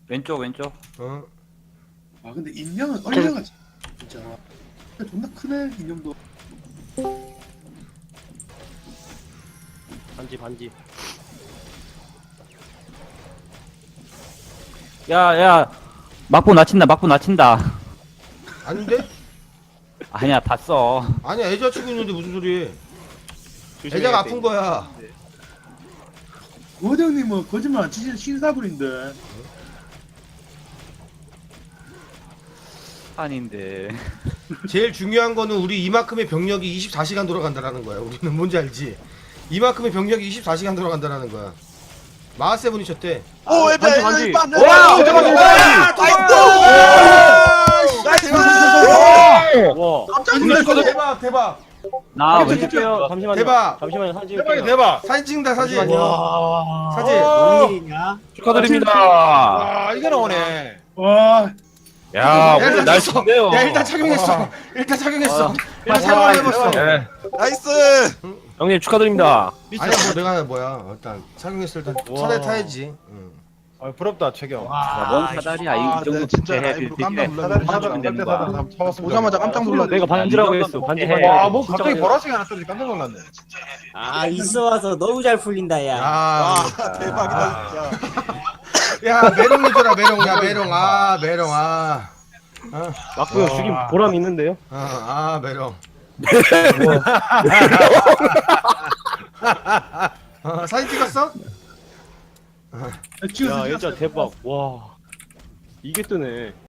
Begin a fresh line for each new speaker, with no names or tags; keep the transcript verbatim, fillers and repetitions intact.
왼쪽 왼쪽.
어.
아 근데 인형은 얼려가 진짜 존나 크네 인형도.
반지 반지.
야야 막부 낮친다 막부 낮친다.
아닌데?
아니야 다 써.
아니야 애자 치고 있는데 무슨 소리?
조심해야
애자가
돼.
아픈 거야.
거장님은 거짓말 안 치시는 신사불인데.
아닌데.
제일 중요한 거는 우리 이만큼의 병력이 이십사 시간 돌아간다라는 거야. 우리는 뭔지 알지? 이만큼의 병력이 이십사 시간 돌아간다라는 거야. 마하세븐이 쳤대.
오 에베
반지, 반지.
반지.
와, 잠깐만,
나이스.
와.
깜짝
놀랐어.
놀랐어.
대박 대박
나
이렇게
왼쪽이요.
잠시만요.
대박.
잠시만요. 사진 찍을게요.
대박이 대박.
사진 찍는다 사진.
잠시만요.
와.
사진.
뭔 일이냐?
축하드립니다.
와 이게 나오네.
와
야
야,
오늘
일단
날씨인데요.
야 일단 착용했어. 일단 착용했어. 일단
아,
착용해봤어.
네.
나이스.
형님 축하드립니다.
아니야 뭐 내가 뭐야 일단 착용했을 때
우와.
차례 타야지. 응.
아 부럽다 최경.
야, 뭔 사다리야 이
아,
정도
네, 진짜
해.
라이브로 깜짝 놀랐네.
사다리
사다리
사다리 되는
사다리
거야.
사다리 사다리 오자마자 깜짝 놀랐네.
내가 반지라고
이
했어.
정도는
반지
해.
반지.
와, 뭐
진짜
갑자기
반지.
보라색이 하나 떠지 깜짝 놀랐네.
아 있어 와서 너무 잘 풀린다 야.
아,
아 대박이다 진짜.
야 메롱 해줘라 메롱. 야 메롱. 아 메롱. 아. 아,
맞고요. 죽임 보람 있는데요.
아, 아 메롱. 어, 사진 찍었어?
야, 진짜 대박. 와. 이게 뜨네.